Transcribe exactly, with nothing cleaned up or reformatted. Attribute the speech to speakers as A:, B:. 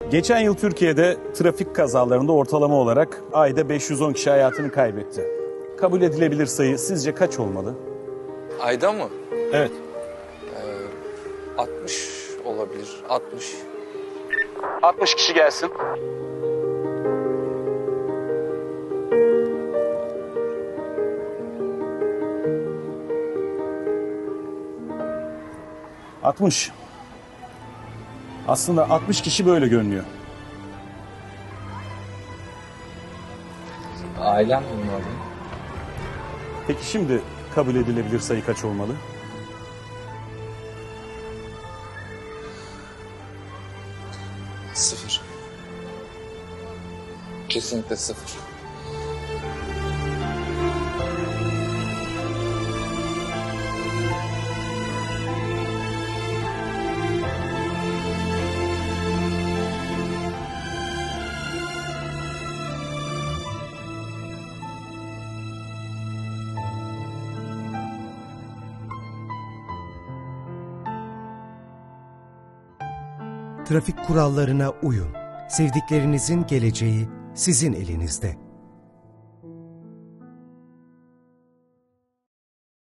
A: Geçen yıl Türkiye'de trafik kazalarında ortalama olarak ayda beş yüz on kişi hayatını kaybetti. Kabul edilebilir sayı sizce kaç olmalı?
B: Ayda mı?
A: Evet.
B: altmış olabilir. altmış.
A: altmış kişi gelsin. altmış. Aslında altmış kişi böyle görünüyor.
B: Ailem bunlar.
A: Peki şimdi kabul edilebilir sayı kaç olmalı?
B: Sıfır. Kesinlikle sıfır.
C: Trafik kurallarına uyun. Sevdiklerinizin geleceği sizin elinizde.